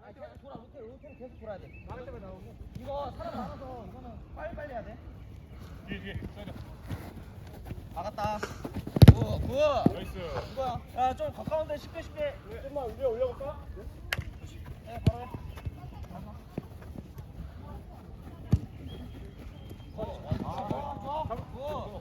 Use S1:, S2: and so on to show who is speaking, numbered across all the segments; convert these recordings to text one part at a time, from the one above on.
S1: 계속 돌아. 로테를 계속 돌아야 돼. 나갈 때마다 나오고. 이거 사람 많아서 이거는 빨리 해야 돼.
S2: 뒤에 써야 돼.
S1: 막았다. 굿.
S2: 나이스.
S1: 이거야. 야, 좀 가까운데 쉽게.
S2: 좀만 올려볼까?
S1: 네, 바로 해. 굿.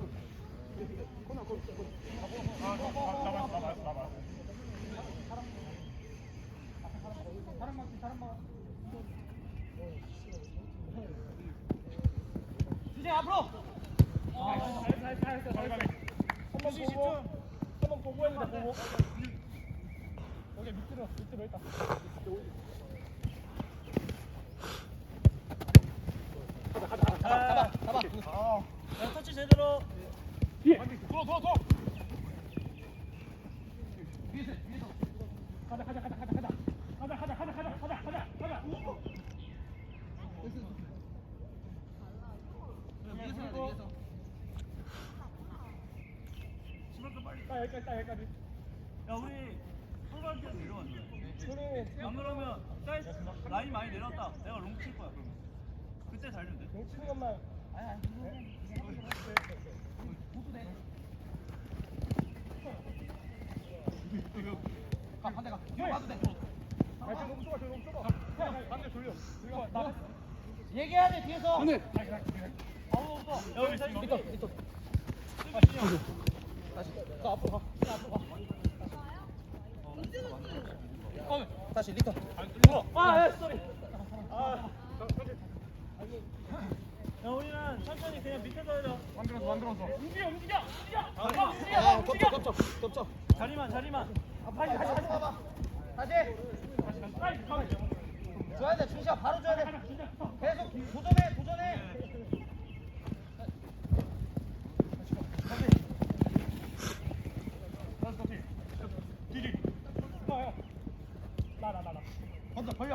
S1: 주제 앞으로.
S2: 한번 보고 해야 돼. 보고. 여기 밑으로 있다.
S1: 잡아. 야, 터치 제대로.
S2: 뒤에. 더. 위에서. 가자. 여기까지.
S3: 야 우리 풀바디에서 내려왔네. 안 그러면 사이즈 라인 많이 내렸다. 내가 롱 칠 거야 그러면. 그때 달리면 돼.
S2: 치는 것만.
S1: 가, 반대 가. 뒤로 가도 돼.
S2: 너무 좁아. 반대 돌려.
S1: 얘기해야 돼, 뒤에서.
S2: 오늘.
S3: 아무 없어. 여기 사이즈
S1: 밑도. 다시. 가, 앞으로 가. 다시 리턴.
S3: 쏘리. 야 우리는 천천히 그냥 밑에서 해라.
S2: 만들었어. 움직여.
S1: 야, 겹쳐.
S3: 자리만.
S1: 다시 봐봐. 다시. 줘야 돼, 준시야. 바로 줘야 돼. 계속 도전해.
S2: 건져 벌려.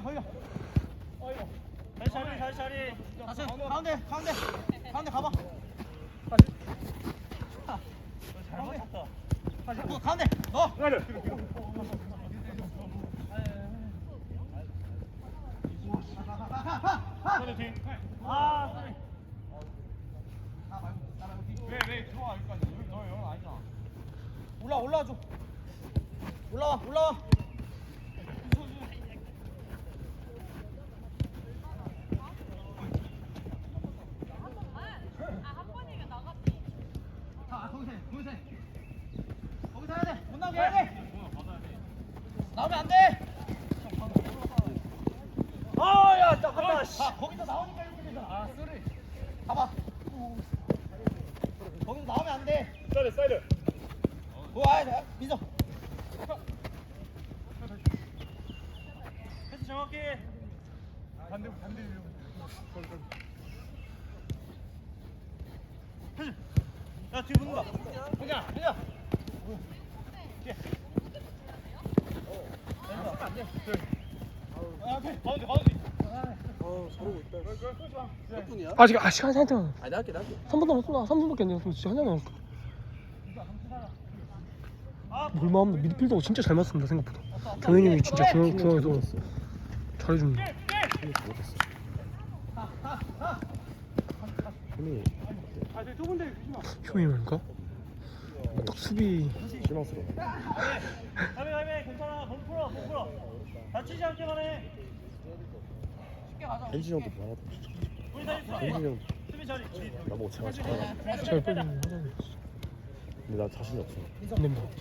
S3: 다시 자리.
S1: 다시 가운데 가봐.
S3: 잘 맞췄다.
S1: 가운데 넣어.
S3: 아 쏘리.
S2: 왜 들어와 여기까지. 너 영어 아니잖아.
S1: 올라와줘. 올라와. 거기서 해야 돼. 못 나오게 해야 돼. 나오면 안 돼.
S3: 아야 잠깐만.
S1: 거기서 나오니까 이렇게 되잖아. 쏘리. 봐봐. 거기서 나오면 안 돼.
S2: 사이드.
S1: 와, 민서.
S3: 패스 정확히.
S2: 반대.
S3: 패스. 야 뒤에 붙는다.
S1: 민서.
S2: 가운데.
S4: 아직 시간이 한참
S1: 아니, 나할게.
S4: 3분 남았어. 3분밖에 안 남았어. 진짜 한참 남았어. 물마 없는 미드필더가 진짜 잘 맞습니다 생각보다. 경현이 형이 진짜 중앙에서 잘해줍니다. 형이 말까? 딱 수비
S5: 실망스러워.
S3: 가비 괜찮아. 몸 풀어. 다치지 않게만 해.
S5: 벤지 형도 많아도 진짜.
S3: 우리 다시
S5: 벤지 형
S3: 수비 자리.
S5: 나보고 제가 잘하나?
S4: 잘 빼주는 하잖아요.
S5: 근데 나 자신이 없어.
S4: 안 됩니다.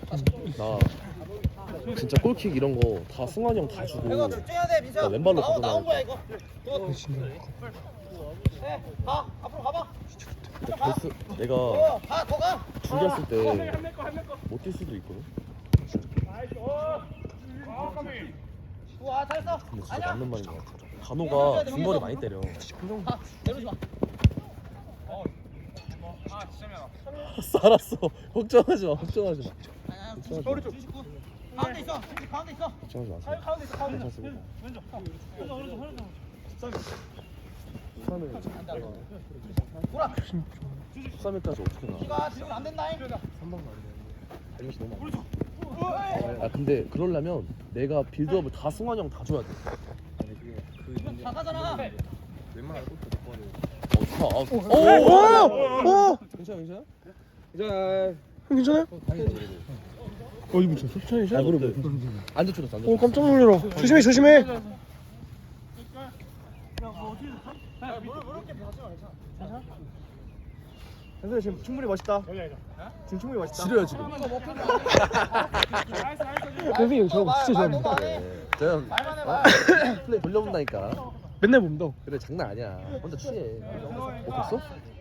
S5: 나 진짜 골킥 이런 거 다 승환이 형 다 주고.
S1: 이거 집중해야 돼, 민서.
S5: 나 왼발로
S1: 나온 거야, 이거.
S4: 진짜
S1: 네, 가. 앞으로 가봐.
S5: 근데 내가
S1: 더 가.
S5: 중계했을 때 못 뛸 수도 있거든.
S1: 우와, 잘했어.
S5: 근데 진짜
S1: 아니야.
S5: 맞는 말인 것 같아. 간호가 중거리 많이 때려.
S1: 가. 내려오지 마.
S5: 알았어. 걱정하지 마. 걱정하지 마.
S1: 아니야.
S5: 걱정하지 마.
S1: 99. 가운데 있어. 가운데 있어.
S5: 걱정하지 마세요.
S3: 가운데 있어.
S5: 괜찮습니다.
S3: 왼쪽. 오른쪽.
S1: 돌아.
S5: 13일까지 어떻게 나?
S1: 이가 지금 안 된다잉.
S5: 3박 나는데 달리기 너무 안 돼. 아 근데 그러려면 내가 빌드업을 다 승환이 형 다 줘야 돼.
S1: 다 가잖아.
S6: 웬만한 골프 못 봐도.
S5: 오!
S6: 괜찮아 괜찮아?
S4: 형 괜찮아요?
S6: 다행이다 그래도.
S4: 이거 진짜 속찬이죠?
S5: 아 그래 안 다쳤어 안 다쳤어.
S4: 깜짝 놀래라. 조심해.
S2: 현수 지금 충분히 멋있다. 지금 충분히 멋있다.
S5: 지려요 지금.
S4: 선생님 저 진짜 좋아합니다.
S5: 저형 플레이 돌려본다니까.
S4: 맨날 봅니다.
S5: 그래 장난 아니야. 혼자 취해. 먹혔어?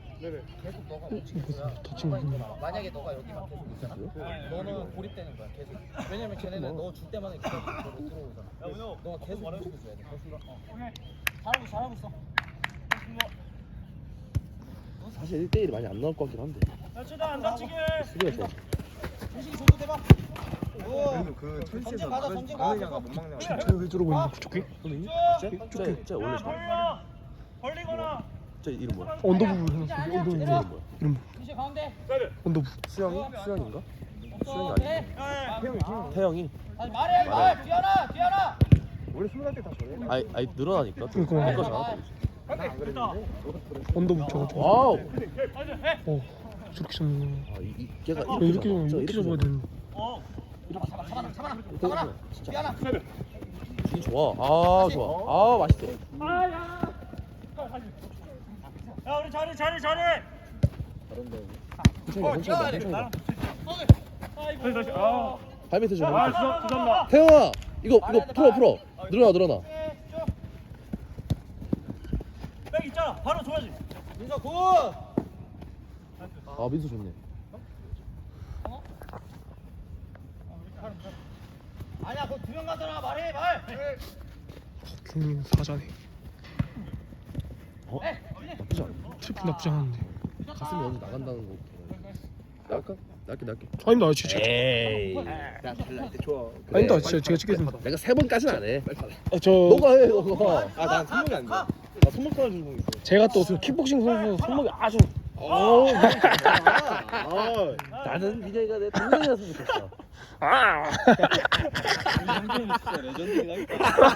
S4: 다친 거.
S1: 만약에 너가 여기만 계속 있잖아. 너는 고립되는 거야 계속. 왜냐면 걔네는 너 줄 때마다 계속 너로 들어오잖아. 너가 계속 움직여줘야 돼. 잘하고 있어.
S5: 사실 1대1이 많이 안 나올 것 같긴 한데.
S3: 최대한 안 다치게.
S5: 수비가 좋아.
S1: 정신 줘도 대박.
S6: 그래도 그 천지에서
S1: 가자,
S6: 막을
S1: 전진
S6: 막느냐가
S1: 가자.
S6: 못 막느냐가.
S4: 쟤왜 저러고 있는 거지? 저게?
S5: 쟤 원래 잘.
S3: 벌리거나.
S5: 쟤 이름 뭐야?
S4: 언더부브 해놨어. 언더부브.
S5: 이름 뭐야?
S4: 이름
S1: 이제 가운데.
S4: 언더부.
S5: 수영인가?
S1: 없어.
S5: 수영이
S1: 돼.
S5: 태영이.
S1: 아니 말해 말. 뒤하나.
S2: 원래 20살 때 다 저래.
S5: 아이 늘어나니까.
S4: 그러니까.
S5: 내거 잘하고.
S4: 언더부 쳐가지고.
S5: 와우.
S4: 저렇게 잡는 거.
S5: 이 걔가
S4: 이렇게
S5: 잡아
S4: 잡아야 되는.
S1: 잡아라.
S5: 진짜
S1: 뒤하나.
S5: 분위 좋아. 아 좋아. 아 맛있어.
S3: 야 우리 잘해.
S5: 괜찮아.
S3: 아.
S5: 발밑에 줘.
S3: 죄송합니다.
S5: 태영아 이거 풀어. 늘어나.
S3: 백 있잖아. 바로 줘야지.
S1: 민서 굿.
S5: 아 민수 좋네.
S1: 아니야 거기 2명 가잖아. 말해 말.
S4: 경민 사자네.
S5: 나쁘지 않아.
S4: 트리플 나쁘지 않은데.
S5: 가슴이 어디 나간다는 거. 날까? 날게.
S4: 아닙니다. 진짜.
S5: 에이.
S6: 야 달라 때 좋아.
S4: 아닙니다. 진짜 제가 찍겠습니다.
S5: 내가 3번까지는 안 해.
S4: 저
S5: 너가 해 너가.
S6: 아난 손목이 안 돼. 나 손목까지 주고 있어.
S4: 제가 또 킥복싱 선수 손목이 아주
S5: 나는 민영이가 내 동생이었으면 좋겠어.
S6: 형님 진짜 레전드이다.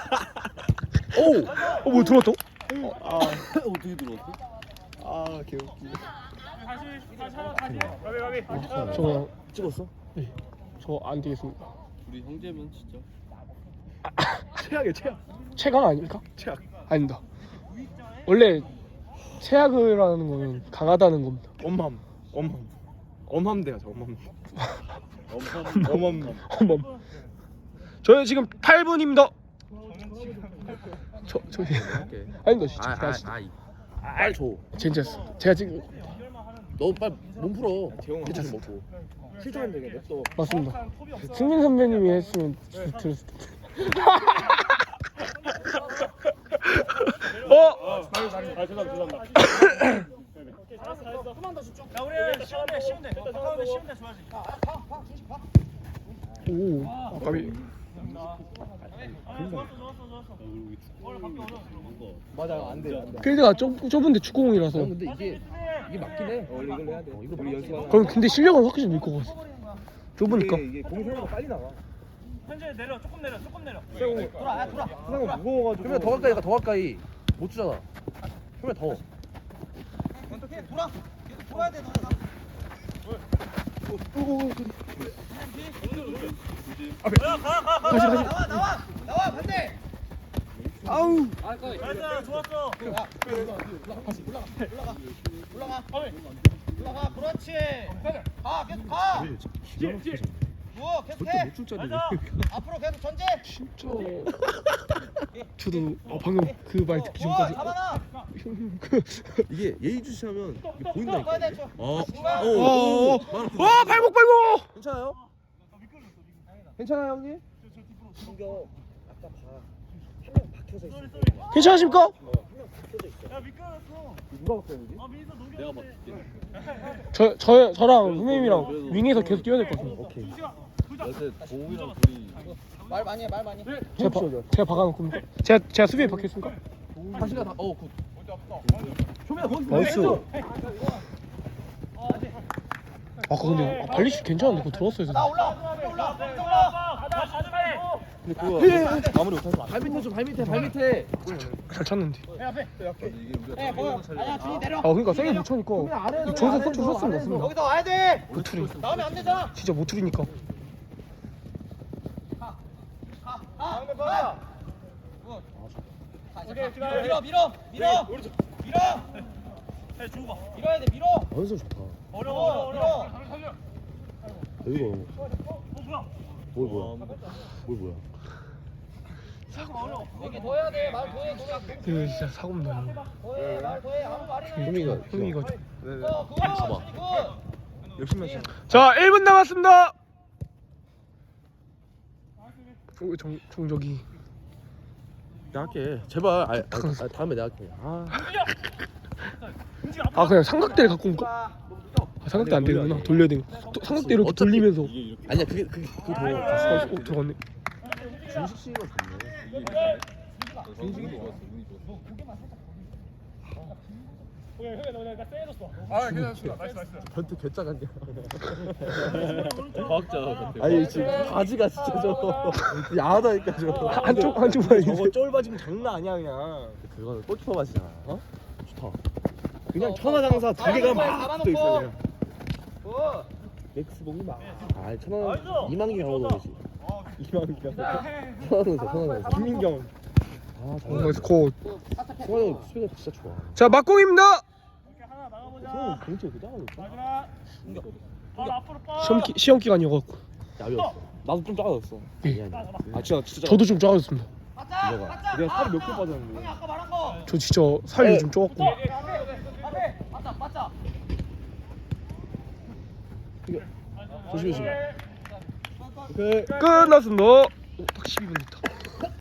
S4: 뭐 들어왔다?
S6: 어떻게 들어왔어? 아 개웃기.
S3: 다시.
S4: 저
S5: 찍었어?
S4: 저 안 되겠습니다.
S6: 우리 형제면 진짜.
S2: 최악이야.
S4: 최강 아닙니까?
S2: 최악.
S4: 아닙니다. 원래 최악이라는 거는 강하다는 겁니다.
S2: 엄함대야 저 엄함.
S4: 어머. 저희 지금 8분입니다. 저기 아닙니다. 진짜.
S5: 빨리 줘.
S4: 진짜 제가 지금
S5: 너 빨리 몸 풀어. 괜찮 좀 먹고.
S2: 실전면 되겠네 또.
S4: 맞습니다. 승민 선배님이 했으면 들었을 텐데.
S3: 죄송합니다. 야 우리 쉬운데. 가까운데 쉬운데 줘야지.
S4: 오, 아까비.
S3: 좋았어. 원래 밖에 어려워.
S2: 맞아 안 돼.
S4: 필드가 좁은데 축구공이라서.
S5: 근데 이게 맞긴 해.
S6: 원래 이걸 해야 돼.
S5: 이거
S6: 우리 연습하는.
S4: 그럼 근데 실력은 확실히 늘 것 같아. 좁으니까.
S6: 이게 공이 생각보다 빨리 나가.
S3: 현재 내려. 조금 내려.
S1: 돌아.
S2: 세상은 무거워가지고.
S5: 그러면 더 가까이 가. 더 가까이. 못 주잖아. 그러면 더.
S1: 어떻게 돌아. 계속 돌아야 돼 너네. 나와 반대.
S2: 아우.
S3: 나이스 좋았어.
S1: 올라가. 그렇지. 계속 가. 누워 계속해. 앞으로 계속 전진.
S4: 진짜. 저도 방금 그 말 듣기 전까지.
S1: 잡아놔.
S5: 이게 예의주시하면 이게 보인다니까.
S1: 가야 돼,
S5: 이게.
S1: 저.
S4: 와 발목.
S5: 괜찮아요?
S6: 괜찮아요 형님?
S4: 괜찮으십니까?
S3: 야 미끄러졌어.
S6: 누가 봤어요 여기?
S3: 민서 녹여.
S4: 저랑 선생님이랑 윙에서 계속 뛰어야 될 것 같아요.
S5: 오케이.
S6: 어제 동욱이랑 둘이
S1: 말 많이 해.
S4: 제가 박아놓고 제가 수비에 박혔습니까?
S5: 다시가 다. 굿.
S4: 나이스. 아까 근데 발리슛 괜찮은데 그거 들어왔어야
S1: 나
S4: 돼.
S1: 올라.
S6: 근데 그거 마무리 못하지 마. 발밑에 좀 발밑에.
S4: 잘 찼는데.
S6: 이게 우리가
S1: 예, 뭐야? 아니야, 준이 내려.
S4: 아 그러니까 세게 못 차니까. 저기서 코치 썼으면 됐습니다.
S1: 여기서 와야 돼.
S4: 모투리.
S1: 나오면 안 되잖아.
S4: 진짜 모투리니까.
S1: 밀어.
S3: 해 주고 봐.
S1: 밀어야 돼, 밀어.
S5: 연습 좋다.
S3: 어려워.
S5: 이거
S3: 뭐야?
S5: 뭘 뭐야?
S1: 얘기 더 해야 돼. 말 더해.
S4: 이거 진짜 사고입니다.
S1: 더해. 말 더해. 아무 말이나 해.
S4: 흥미가.
S1: 그거.
S5: 봐봐.
S6: 욕심 몇
S4: 자 1분 남았습니다. 정적이.
S5: 내가 할게. 제발. 다음에 내가 할게.
S4: 아 그냥 삼각대를 갖고 올까? 아, 삼각대 안 되는구나. 돌려야 되는. 삼각대 이렇게
S5: 어차피
S4: 돌리면서.
S5: 아니야 그게 더.
S4: 들어갔네.
S6: 준식 씨가 좋네. 준식이 좋았어. 운이 좋았어.
S2: 나 세해줬어.
S6: 아 괜찮습니다.
S2: 나이스.
S5: 변태 개짜간냐?
S6: 과학자.
S5: 아니 지금 바지가 진짜 저 야하다니까 저.
S4: 한쪽만
S6: 저거 쫄바지면 장난 아니야 그냥.
S5: 그거는 골키퍼 바지잖아. 어? 좋다.
S6: 그냥 천하장사 두 개가 막 붙어 있어 그냥.
S5: 맥스 복이 막. 아 천하 이만경 하고 되지. 이만경. 천하장사.
S6: 김민경.
S4: 그래서 곧.
S5: 천하장 수비가 진짜 좋아.
S4: 자 막공입니다.
S2: 하나 나가보자.
S5: 형 공채 그 작아졌어.
S2: 마지막. 바로 앞으로 빠.
S4: 시험 기간이어갖고.
S5: 야비였어.
S6: 나도 좀 작아졌어.
S4: 예.
S6: 아 진짜.
S4: 저도 좀 작아졌습니다.
S5: 이거가.
S6: 내가 살이 몇 개 빠졌는데.
S1: 아까 말한 거.
S4: 저 진짜 살이 좀 쪄갖고.
S1: 앞에. 맞자.
S5: 조심해.
S6: 오케이.
S4: 끝났습니다. 딱 12분 됐다.